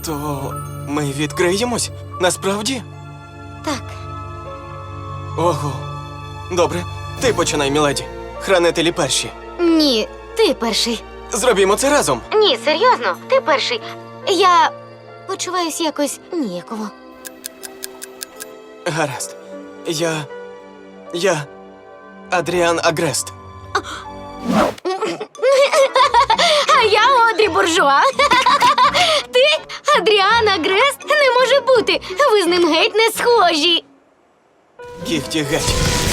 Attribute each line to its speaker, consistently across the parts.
Speaker 1: То ми відкриємось? Насправді?
Speaker 2: Так.
Speaker 1: Ого. Добре, ти починай, міледі. Хранителі перші.
Speaker 2: Ні, ти перший.
Speaker 1: Зробімо це разом.
Speaker 2: Ні, серйозно, ти перший. Я почуваюсь якось ніяково.
Speaker 1: Гаразд. Я Адріан Агрест.
Speaker 2: А я Одрі Буржуа. Ти Адріан Агрест? Не може бути. Ви з ним геть не схожі.
Speaker 1: Кіхті геть.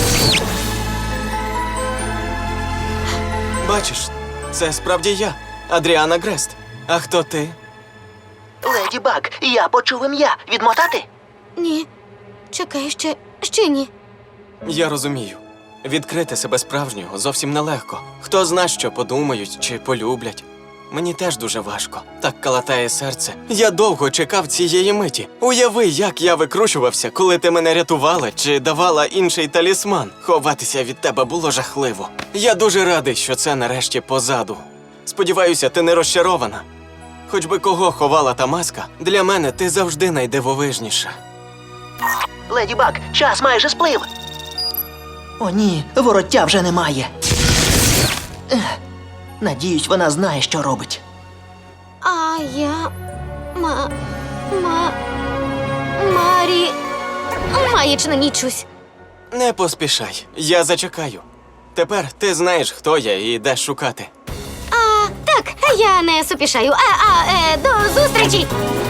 Speaker 1: Бачиш, це справді я, Адріан Агрест. А хто ти?
Speaker 3: Леді Баг, я почув ім'я. Відмотати?
Speaker 2: Ні. Чекай, ще ні.
Speaker 1: Я розумію. Відкрити себе справжнього зовсім нелегко. Хто зна, що подумають чи полюблять. Мені теж дуже важко. Так калатає серце. Я довго чекав цієї миті. Уяви, як я викручувався, коли ти мене рятувала чи давала інший талісман. Ховатися від тебе було жахливо. Я дуже радий, що це нарешті позаду. Сподіваюся, ти не розчарована. Хоч би кого ховала та маска, для мене ти завжди найдивовижніша.
Speaker 3: Леді Баг, час майже сплив. О ні, вороття вже немає. Надіюсь, вона знає, що робить.
Speaker 2: А я... Марі... Маячна нічусь.
Speaker 1: Не поспішай, я зачекаю. Тепер ти знаєш, хто я і де шукати.
Speaker 2: Так, я не супішаю. До зустрічі!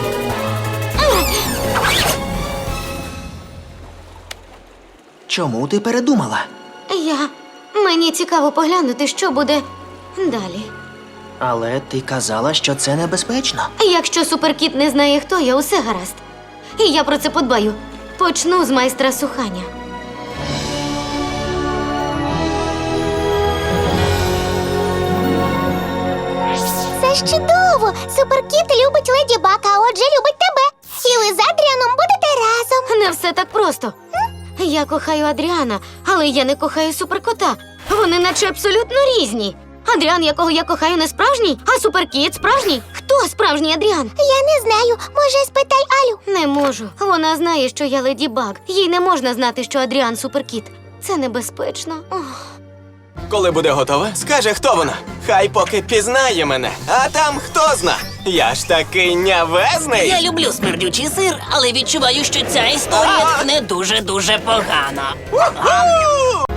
Speaker 3: Чому ти передумала?
Speaker 2: Мені цікаво поглянути, що буде далі.
Speaker 3: Але ти казала, що це небезпечно.
Speaker 2: Якщо суперкіт не знає, хто я, усе гаразд. І я про це подбаю. Почну з майстра сухання.
Speaker 4: Це ж чудово! Суперкіт любить Леді Баг, а отже любить тебе. І ви з Адріаном будете разом.
Speaker 2: Не все так просто. Я кохаю Адріана, але я не кохаю суперкота. Вони наче абсолютно різні. Адріан, якого я кохаю, не справжній, а суперкіт справжній. Хто справжній Адріан?
Speaker 4: Я не знаю. Може, спитай Алю.
Speaker 2: Не можу. Вона знає, що я Леді Баг. Їй не можна знати, що Адріан суперкіт. Це небезпечно. Ох.
Speaker 1: Коли буде готова, скаже, хто вона. Хай поки пізнає мене, а там хто зна. Я ж такий нявезний.
Speaker 5: Я люблю смердючий сир, але відчуваю, що ця історія тхне дуже-дуже погано.